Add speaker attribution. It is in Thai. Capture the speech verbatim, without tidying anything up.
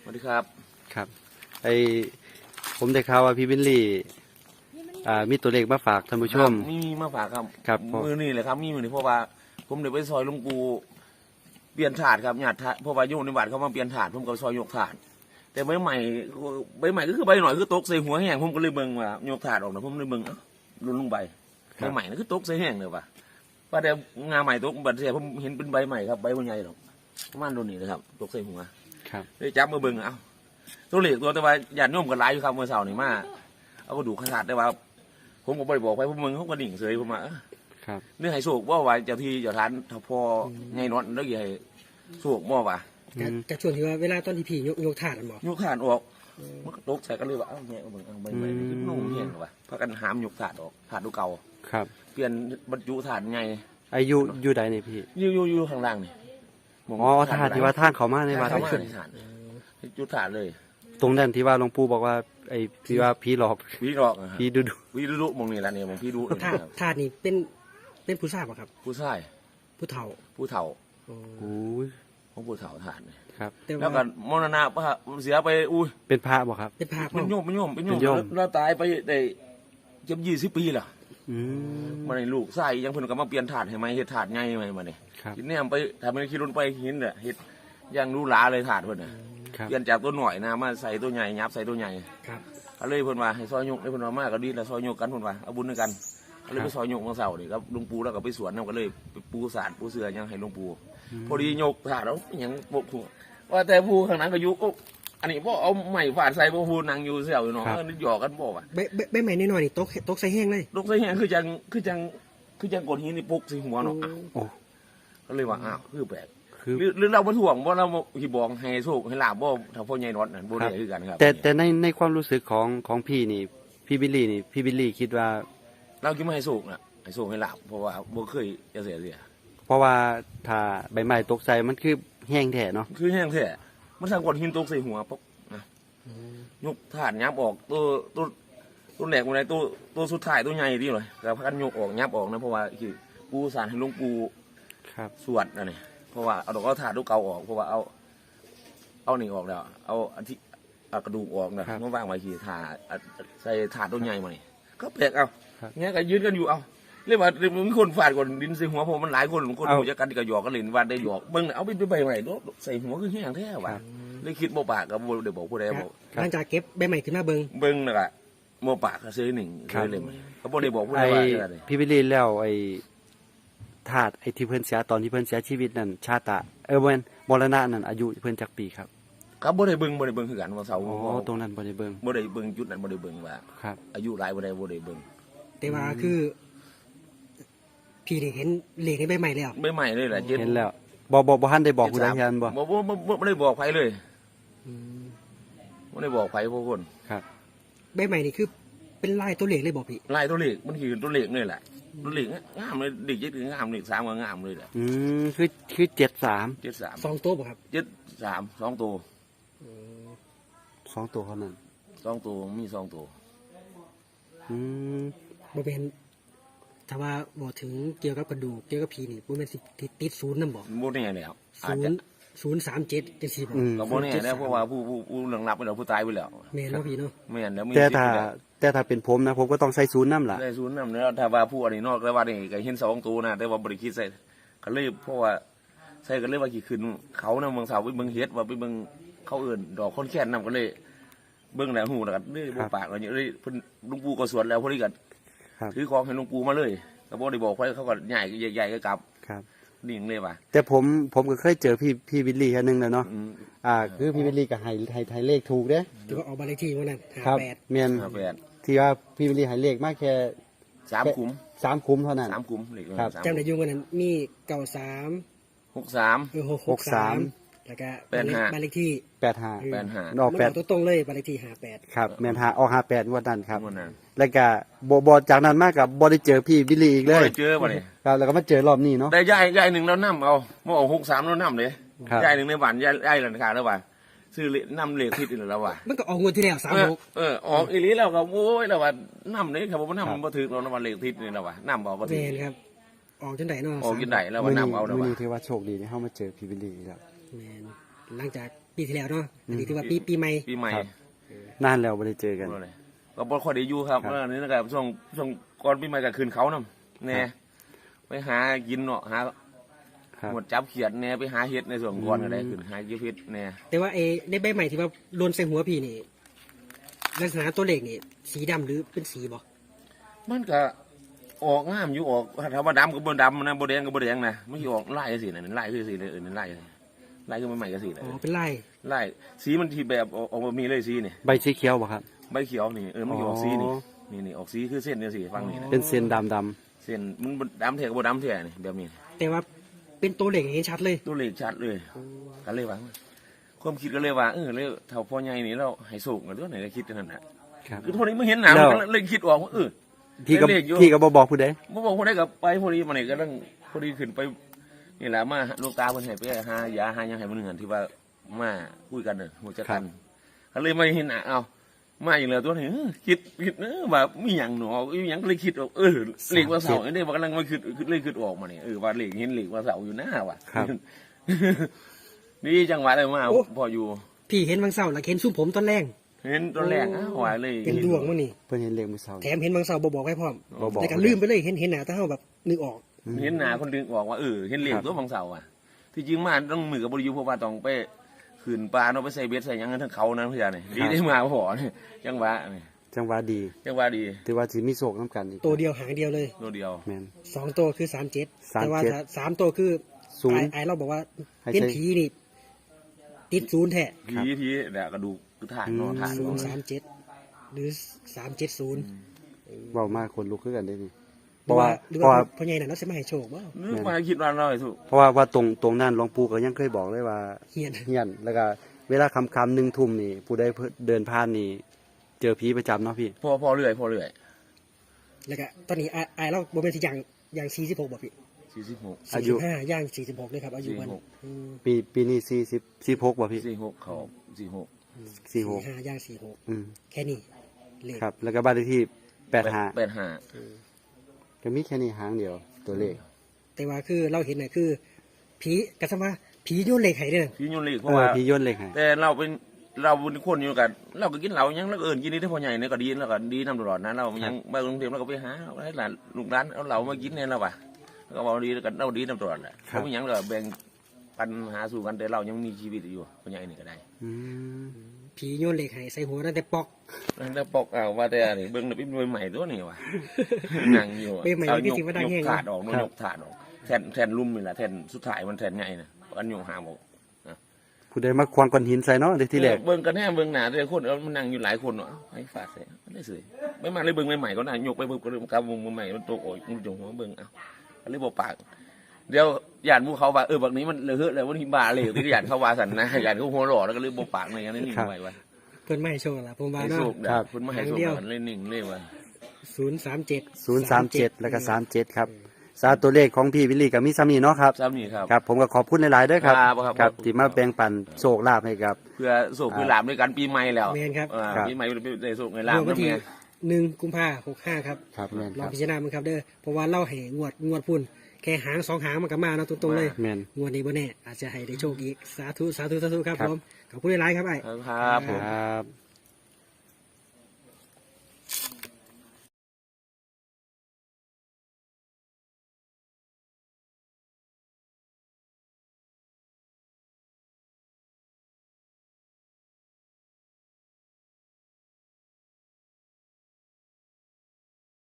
Speaker 1: สวัสดีครับ
Speaker 2: ครับไอผมได้ข่าวว่าพี่บิลลี่อ่ามีตัวเลขมาฝากท่านผู้ชม
Speaker 1: มีมีมาฝากครับ
Speaker 2: ครับ
Speaker 1: มือนี่เลยครับมีมือนี่เพราะว่าผมเดี๋ยวไปซอยหลุงปูเปลี่ยนถาดครับหยาดถาดเพราะว่าโยมในวัดเขามาเปลี่ยนถาดผมก็ซอยยกถาดแต่ใบใหม่ใบใหม่ก็คือใบหน่อยคือตกใส่หัวแห้งผมก็เลยเบิ่งว่ายกถาดออกนะผมเลยเบิ่งรุนลงใบใบใหม่นั่นคือตกใส่แห้งเลยว่ะว่าแต่งาใหม่ตกบัดเสียผมเห็นเป็นใบใหม่ครับใบใหญ่หรอกประมาณตัวนี้นะครับตกใส่หัว
Speaker 2: ครับ
Speaker 1: เลยจับมาเบิ่งเอาตัวเหล็กตัวแต่ว่าหยาดโยมกันหลายอยู่ครับเมื่อเช้านี่มาเอากระดูกขาดแต่ว่าผมก็บ่ได้บอกไปผมมึงเขาก็ดิ่งเสยผมมา
Speaker 2: ครับ
Speaker 1: เรื่องให้โศกว่าว่าเจ้าที่เจ้าทานถ้าพอไงนอนแล้วให้โศกบ่ว่า
Speaker 3: จากช่วงที่ว่าเวลาตอนที่พี่ยกยกถาดบ่
Speaker 1: ยกถาดออกมันก็ตกใส่กันเลยว่าเอ้าแง่เบิ่งเอาใบใหม่ขึ้นนุ่มเห็นว่ะพากันหามยกถาดออกถาดดูเก่า
Speaker 2: ครับ
Speaker 1: เปลี่ยนบรรจุถาดไง
Speaker 2: อายุอยู่ใดนี่พี่
Speaker 1: อยู่อยู่อยู่ข้างล่างนี่
Speaker 2: อ๋อถาดที่ว่าทางเขามาในวัด
Speaker 1: เข้ามาในถาดจุดถาดเลย
Speaker 2: ตรงนั้นที่ว่าหลวงปู่บอกว่าไอ้ที่ว่าผีหลอก
Speaker 1: ผีหลอก
Speaker 2: ผีดุดุ
Speaker 1: ผีดุดุมองนี่แหละเนี่ยมองผีดุ
Speaker 3: ถาดถาดนี่เป็นเป็นผู้ชายป่ะครับ
Speaker 1: ผู้ชาย
Speaker 3: ผู้เฒ่า
Speaker 1: ผู้เฒ่า
Speaker 2: โอ้ย
Speaker 1: ของผู้เฒ่าถาดนี่
Speaker 2: ครับ
Speaker 1: แล้วก็มรณะเสียไปอุ้ย
Speaker 2: เป็นพระบ่ครับ
Speaker 3: เป็นพระ
Speaker 1: เป็นโยมเป็นโยมเป็นโยมแล้วตายไปได้เกือบยี่สิบปีล่ะ
Speaker 2: อืม
Speaker 1: มาในลูกใส่ยังเพิ่นก็มาเปลี่ยนถาดให้ไหมเฮ็ดถาดใหญ่ไหมมาเนี่ยกินเนี่ยไปทำเป็นขี่รถไปหินเนี่ยเฮ็ดยังรู้หลาเลยถาดเพิ่นน่ะเปลี่ยนจากตัวหน่อยนะมาใส่ตัวใหญ่ยับใส่ตัวใหญ่
Speaker 3: ครับ
Speaker 1: เขาเลยเพิ่นว่าให้ซอยยกให้เพิ่นว่ามากก็ดีแล้วซอยยกกันเพิ่นว่าเอาบุญด้วยกันเขาเลยไปซอยยกมาเสาร์นี่ครับหลวงปู่แล้วก็ไปสวนนำก็เลยไปปูสารปูเสือยังให้หลวงปู่พอดียกถาดแล้วยังบกหัวว่าแต่ผู้ข้างนั้นก็ยุกอันนี้บ่เอาใหม่ฝาดใส่บ่ผู้นั่งอยู่เสี่ยวอยู่เนาะนึกหยอกกันบ่ว่า
Speaker 3: ใบใบใหม่น้อยๆนี่ตกตกใส่แห้งเลย
Speaker 1: ตกใส่แห้งคือจังคือจังคือจังกดหินนี่ปุกใส่หัวเนาะ
Speaker 2: โอ้
Speaker 1: ก็เลยว่าอ้าวคือแปลกหรือหรือเราบ่ถ่วงบ่เราสิบอกให้โชคให้ลาบบ่ถ้าพ่อใหญ่น็อตนั่นบ่ได้คือกันครับ
Speaker 2: แต่แต่ในในความรู้สึกของของพี่นี่พี่บิลลี่นี่พี่บิลลี่คิดว่า
Speaker 1: เราคิดว่าให้โชคน่ะให้โชคให้ลาบเพราะว่าบ่เคยจะเสียเสีย
Speaker 2: เพราะว่าถ้าใบไม้ตกใส่มันคือแห้งแท้เนาะ
Speaker 1: คือแห้งแท้มันสั่งกดหินตกใส่หัวปุ๊บนะยกถาดยับออกตัวตัวตัวแหลกบ่ได้ตัวตัวสุดท้ายตัวใหญ่ดีเลยแล้วพากันยกออกยับออกนะเพราะว่าคือปูสารให้หลวงปู่
Speaker 2: ครับ
Speaker 1: สวดนั่นนี่เพราะว่าเอาดอกเอาถาดลูกเก่าออกเพราะว่าเอาเอาหนีออกแล้วเอาอันที่เอากระดูกออกนะเมื่อวางไว้ขี่ถาใส่ถาดตัวใหญ่มานี่ก็แปลกเอาเงี้ยก็ยืนกันอยู่เอาเรียกว่ามีคนฟาดก่อนดินใส่หัวผมมันหลายคนคนหูจะกันก็หยอกกันเล่นวันได้หยอกเบิ้งเอาไปไปใบใหม่ใส่หัวคือแห้งแท้ว่ะเลยคิดโมปากกับโมเดี๋ยวบอกผู้ใดบอก
Speaker 3: หลังจากเก็บใบใหม่ขึ้นมาเบิ้ง
Speaker 1: เบิ้งนะกะโมปากก็ซื้อหนึ่งเลยเลยเขาบอกเดี๋ยวบอกผู้ใดว่าอะไร
Speaker 2: พี่บิลลี่แล้วไอ้ธาตุไอ้ที่เพิ่นเสียตอนที่เพิ่นเสียชีวิตนั่นชาตะเออเว้นมรณะนั่นอายุเพิ่นจักปีครับ
Speaker 1: ครับบ่ได้เบิ่งบ่ได้เบิ่งคือกันว่าเสา
Speaker 2: อ๋อตรงนั้นบ่ได้เบิ่ง
Speaker 1: บ่ได้เบิ่งจุดนั้นบ่ได้เบิ่งว่า
Speaker 2: ครับ
Speaker 1: อายุหลายบ่ได้บ่ได้เบิ่ง
Speaker 3: แต่ว่าคือพี่ได้เห็นเลขในใบใหม่แล้ว
Speaker 1: ใบใหม่เลยแหละ
Speaker 2: เห็นแล้วบ่บ่บ่ทันได้บอกผู้ใดยันบ่
Speaker 1: บ่บ่บ่ได้บอกไผเลยอืมบ่ได้บอกไผพวกคน
Speaker 2: ครับ
Speaker 3: ใบใหม่นี่คือเป็นลายตัวเลขเลยบ่พี่
Speaker 1: ลายตัวเลขมันคือตัวเลขนี่แหละตัวเลขงามเลยเด็กเจ็ดงามเลขสามก็งามเลยแหละ
Speaker 2: อืมคือคือเจ็ดสาม
Speaker 1: เจ็ดสาม
Speaker 3: สองตัวบ่ครับ
Speaker 1: เจ็ดสามสองตัว
Speaker 2: สองตัวเท่านั้น
Speaker 1: สองตัวมีสองตัว
Speaker 2: อืม
Speaker 3: บ่เป็นถ้าว่าบ่ถึงเกี่ยวกับกระดูกเกี่ยวกับผีนี่บ่แม่นสิติดศูนย์นำบ่
Speaker 1: บ่แน่แล้ว
Speaker 3: ศูนย์ศูนย์สามเจ็ดจังซี่บ่
Speaker 1: ก็บ่แน่แล้วเพราะว่าผู้ผู้ผู้หลังรับไปแล้วผู้ตายไปแล้ว
Speaker 3: แม่นเนาะพี่เนาะ
Speaker 1: แม่นแล้วมี
Speaker 2: แต่ถ้าแต่ถ้าเป็นผมนะผมก็ต้องใส่ศูนย์นำล่ะ
Speaker 1: ใส่ศูนย์นำแล้วถ้าว่าผู้อันนี้นอกแล้วว่านี่ก็เห็นสองตัวนะแต่ว่าบ่ได้คิดใส่ก็เลยเพราะว่าใส่ก็เลยว่ากี่คืนเขานำเมืองสาวไปเบิ่งเฮ็ดว่าไปเบิ่งเขาเอิ้นดอกคนแค้นนำก็เลยเบิ่งแล้วฮู้แล้วก็เลยบ่ปากว่าเลยเพิ่นหลวงปู่ก็สวดแล้วพอดีก็ถือของให้หลวงปู่มาเลยก็บ่ได้บอกไผเขาก็ใหญ่ใหญ่ๆก็กลับ
Speaker 2: ครับ
Speaker 1: ดิ่งเลยว่ะ
Speaker 2: แต่ผมผมก็เคยเจอพี่พี่วิลลี่แค่นึงแล้วเนาะอ่าคือพี่วิลลี่ก็ให้ให้ให้เลขถูกเด้
Speaker 3: ที่ว่าออกบ้านเลขที่วันนั้น
Speaker 2: ห้าแปดแม่นห้าแปดที่ว่าพี่วิลลี่ให้เลขมาแค่
Speaker 1: สามคุ้ม
Speaker 2: สามคุ้มเท่านั้น
Speaker 1: สามคุ้มเลข
Speaker 2: ครับ
Speaker 3: จำได้อยู่วันนั้นมีเก้าสาม
Speaker 1: หกสาม
Speaker 3: เออหกสามแล้วก็บ้านเลขที่
Speaker 2: แปดห้า
Speaker 1: แปดห้า
Speaker 2: ออกแปด
Speaker 3: ตัวตรงเลยบ้านเลขที่ห้าแปด
Speaker 2: ครับแม่นห้าออกห้าแปดงวดนั้นครับแล้วก็บ่บ่จากนั้นมาก็บ่ได้เจอพี่วิลลี่อีกเลย
Speaker 1: บ่ได้เจอบ่นี่
Speaker 2: ครับแล้วก็มาเจอรอบนี้เนาะ
Speaker 1: ได้ยายยายนึงแล้วนำเอาบ่เอาหกสามแล้วนำเด้ยายนึงในบ้านยายยายหลังคาแล้วว่าซื้อนำเลขผิดอีแล้วว่ะ
Speaker 3: มันก็ออกงวดที่แล้วสามหก
Speaker 1: เออออกอีหลีแล้วก็โอ้ยแล้วว่านำนี่ครับบ่นำบ่ถูกแล้วนำเลขผิดนี่แล้วว่ะนำบ่บ่ถูก
Speaker 3: แม่นครับออกจังได๋เนาะ
Speaker 1: ออกจังได๋แล้วว่านำเอาแล้ว
Speaker 2: ว่ะมื้อ
Speaker 1: นี้
Speaker 2: ถือว่าโชคดีที่เฮามาเจอพี่วิลลี่แล้ว
Speaker 3: แม่นหลังจากปีที่แล้วเนาะอันนี้ถือว่าปีปีใหม่
Speaker 1: ปีใหม่
Speaker 2: ครับ นานแล้วบ่ได้เจอกัน
Speaker 1: บ่เลยก็บ่ค่อยได้อยู่ครับ
Speaker 2: ครับ
Speaker 1: แล้วนี่นะครับช่วงช่วงก่อนปีใหม่ก็คืนเขานำแน่ไปหากินเนาะหา
Speaker 2: ครับ
Speaker 1: หมดจับเขียดแน่ไปหาเห็ดในส่วนก่อนก็ได้ขึ้นหาเก็บเห็ดแน่
Speaker 3: แต่ว่าไอ้ในใบใหม่ที่ว่าโลนใส่หัวพี่นี่ลักษณะตัวเลขนี่สีดำหรือเป็นสีบ่
Speaker 1: มันก็ออกงามอยู่ออกถ้าว่าดำก็บ่ดำนะบ่แดงก็บ่แดงนะมันสิออกลายจังซี่น่ะลายคือสิเลยเออนั่นลายลายคือใหม่ๆจังซี่น่ะ
Speaker 3: อ๋อเป็นลาย
Speaker 1: ลายสีมันที่แบบออกออกมามีเลยสีนี่
Speaker 2: ใบสีเขียวบ่ครับ
Speaker 1: ใบเขียวนี่เออมันสิออกสีนี่
Speaker 2: อ๋อ
Speaker 1: นี่นี่ออกสีคือเส้นจังซี่ฟังนี่นะ
Speaker 2: เป็นเส้นดำดำ
Speaker 1: เส้นมันบ่ดำแท้ก็บ่ดำแท้นี่แบบนี้
Speaker 3: แต่ว่าเป็นตัวเลขเห็นชัดเลย
Speaker 1: ตัวเลขชัดเลยก็เลยว่าความคิดก็เลยว่าเออเลยเท่าพ่อใหญ่นี่เราให้สูงกันด้วยไหนก็คิดกันนั่นน่ะ
Speaker 2: ครับ
Speaker 1: คือพอนี้มึงเห็นหนัง
Speaker 2: แล้ว
Speaker 1: มันก็เลยคิดออกว่าเออ
Speaker 2: พี่ก็
Speaker 1: เลขอยู่
Speaker 2: พี่ก็บ่บอกผู้ใด
Speaker 1: บ่บอกคนได้กับไปพอดีมานี่ก็ต้องพอดีขึ้นไปนี่แหละมาลูกตาเพิ่นให้ไปหายาหาหยังให้มื้อนึงที่ว่ามาคุยกันน่ะฮู้จักกันก็เลยมาเห็นหน้าเอ้ามาอีกแล้วตัวนี้เออคิดคิดเออว่ามีหยังหนออีหยังก็เลยคิดออกเออเลขว่าเสาอันนี้ว่ากำลังมาคิดเลยคิดออกมานี่เออว่าเลขเห็นเลขว่าเสาอยู่หน้าว่ะ
Speaker 2: ครับ
Speaker 1: นี่จังหวะเลยมาพออยู่
Speaker 3: พี่เห็นบางเสาร์แล้วเห็นซุ้มผมตอนแรก
Speaker 1: เห็นตอนแรกอ้าวว่าเลย
Speaker 3: เป็นดวงมั้งนี่
Speaker 2: เพิ่นเห็นเลขมื้อเช้า
Speaker 3: แถมเห็นบางเสาร์บ่บอกให้พร้อม
Speaker 2: บ่บอก
Speaker 3: แต่ก็ลืมไปเลยเห็นเห็นหน้าถ้าเฮาแบบนึกออก
Speaker 1: เห็นหน้าคนดึงออกว่าเออเห็นเลขตัวบางเสาอ่ะที่จริงมาต้องมือกับบริยูเพราะว่าต้องไปขืนปลาเนาะไปใส่เบ็ดใส่หยังทั้งเขานั้นเพื่อนนี่ดีได้มาพอนี่จังหวะนี่
Speaker 2: จังหวะดี
Speaker 1: จังหวะดี
Speaker 2: ถือว่าสิมีโชคนำกันอีก
Speaker 3: ตัวเดียวหางเดียวเลย
Speaker 1: ตัวเดียว
Speaker 2: แม่น
Speaker 3: สองตัวคือสามเจ็ด
Speaker 2: สามเจ็ด
Speaker 3: แต่ว่าถ้าสามตัวคือ
Speaker 2: ศูนย์
Speaker 3: ไอ้ไอ้เราบอกว่า
Speaker 2: ให้
Speaker 3: เป็น
Speaker 2: ใช้
Speaker 3: ผีนี่ ติดศูนย์แท้
Speaker 1: ผีผีเดี๋ยวกระดูกคือถ่านเนาะถ่าน
Speaker 3: ศูน
Speaker 1: เนาะ
Speaker 3: ย์สามเจ็ดหรือสามเจ็ดศูนย์
Speaker 2: เว้ามาคนลุกคือกันได้นี่
Speaker 3: ห
Speaker 2: เพ
Speaker 3: รือ
Speaker 2: ราะ
Speaker 3: ว่า
Speaker 2: ว่า
Speaker 3: หรือ
Speaker 2: เพราะ
Speaker 3: ว่า
Speaker 2: ว่า
Speaker 3: พ่อใหญ่น่ะเราจะมาให้โชคบ่
Speaker 1: นึกมาคิดว่าเราไอ้สุ
Speaker 2: เพราะว่าว่าตรงตรงนั้นหลวงปู่ก็ยังเคยบอกเลยว่า
Speaker 3: เฮียน
Speaker 2: เฮียนแล้วก็เวลาค่ำๆหนึ่งทุ่มนี่ ผู้ใดเดินผ่านนี่ เจอผีประจำเนาะพี่
Speaker 1: พอพอเรื่อยพอเรื่อย
Speaker 3: แล้วก็ตอนนี้ไอ้ไอ้เราบ่เป็นสิอย่างอย่างสี่สิบหกบ่พี่
Speaker 1: สี่สิบหก
Speaker 2: อา
Speaker 3: สี่
Speaker 2: ยุ
Speaker 3: สิบห้าย่างสี่สิบหกเลยครับอายุมัน
Speaker 1: สี่สิบหก
Speaker 3: อืม
Speaker 2: ปีปีนี้สี่สิบสี่หกบ่พี่
Speaker 1: สี่หกเขาสี่หก
Speaker 2: สี่หก
Speaker 3: ห้าย่างสี่หก
Speaker 2: อืม
Speaker 3: แค่นี้เลข
Speaker 2: ครับ แล้วก็บ้านเลขที่แปดห้า
Speaker 1: แปดห้า
Speaker 2: ก็มีแค่นี้หางเดียวตัวเลข
Speaker 3: แต่ว่าคือเราเห็นน่ะคือ ผีกระสมาผีโยนเหล็กให้เด้อ
Speaker 1: พี่ยุ่นเลขเพ
Speaker 2: เอ
Speaker 1: ราะ
Speaker 2: อ
Speaker 1: ว่า
Speaker 2: พี่ย่นเลขให้
Speaker 1: แต่เราเป็นเราเป็นคนอยู่กันเราก็กินเหล้ายังแล้วก็เอิญกินนี่ได้พอใหญ่เนี่ยก็ดีแล้วก็ดีนำตลอดนะเรายังไปกรุงเทพเราก็ไปหาให้หลานลูกร้านเอาเหล้ามากินเนี่ยเราว่ะแล้วก็บอกดีแล้วกันเราดีนำตลอดแหละเขาไม่ยังเราแบ่งปันหาสู่กันแต่เรายังมีชีวิตอยู่พอใหญ่นี่ก็ได้
Speaker 2: อืม
Speaker 3: ผีโยนเหล็กให้ใส่หัวตั้งแต่ปอก
Speaker 1: แล้วปอกเอาว่าแต่นี่เบิ่งน่ะเป็นมวยใหม่ตัวนี่ว่ะนั่งอยู่
Speaker 3: เป็นใหม่
Speaker 1: เอา
Speaker 3: ที่
Speaker 1: ยก
Speaker 3: สิว่าได้
Speaker 1: ย
Speaker 3: แห้
Speaker 1: ก
Speaker 3: ง
Speaker 1: ถาดออกนู่นยกถาดออกแทนแทนลุ่มนี่แหละแทนสุดท้ายมันแทนใหญ่นะอันยกหาบอก
Speaker 2: ผู้ใดมาควางก้อนหินใส่เนาะเดี๋ยวที่แรก
Speaker 1: เบิ่งกันแน่เบิ่งหนาแต่คนเอามันนั่งอยู่หลายคนเนาะไอ้ฝาดใส่มันได้สวยไม่มาเลยเบิ่งใหม่ๆก็น่ะยกไปเบิ่งก็เริ่มกำวงใหม่มันโตโอ้ยมันจงหัวเบิ่งเอาก็เลยบอกปากเดี๋ยวญาติหมู่เขาว่าเออแบบนี้มันเลอะเทอะเลยวันนี้บาเลยที่ญาติเขาว่าสันนะญาติเขาหัวหล่อแล้วก็เลยบอกปากในอย่างนี้นิ่งไว้ว่า
Speaker 3: เพิ่นไม่ให้โชคล่ะผมว่า
Speaker 1: ให้
Speaker 3: เนาะ
Speaker 1: โชคได้คุณมาให้โชคกันเลยนิ่งเลยว่า
Speaker 3: ศูนย์สามเจ็ด
Speaker 2: ศูนย์สามเจ็ดแล้วก็สามเจ็ดครับสาตัวเลขของพี่วิลลี่กับมิซามีเนาะครับ
Speaker 1: ซ้ำนี่ครับ
Speaker 2: ครับ ผมก็ขอบคุณหลายๆด้วยครับ
Speaker 1: ครับครับ
Speaker 2: ครับ
Speaker 1: ขอบคุณ
Speaker 2: ที่มาแบ่งปันโชคลาภให้กับ
Speaker 1: เพื่อโศกเพื่อหลามด้วยกันปีใหม่แล้ว
Speaker 3: แม่นครับ
Speaker 1: อ่า
Speaker 2: ครับ
Speaker 1: ปีใหม่ได้โศกในลาม
Speaker 3: เมื่อวัน
Speaker 1: น้ำ
Speaker 3: ที่
Speaker 1: เมีย
Speaker 3: หนึ่งกุมภาหกห้าครับ
Speaker 2: ครับแม่น
Speaker 3: ล
Speaker 2: ค
Speaker 3: อง
Speaker 2: รับ
Speaker 3: พิจารณามันครับเด้อเพราะว่าเล่าให้งวดงวดพุ่นแค่หางสองหางมันก็มาเนาะตรงๆเลย
Speaker 2: แม่น
Speaker 3: งวดนี้บ่แน่อาจจะให้ได้โชคอีกสาธุสาธุสาธุครับ
Speaker 2: ครับ
Speaker 3: ผมขอบคุณหลายๆครับไอ้
Speaker 1: ครับผม
Speaker 2: ครับ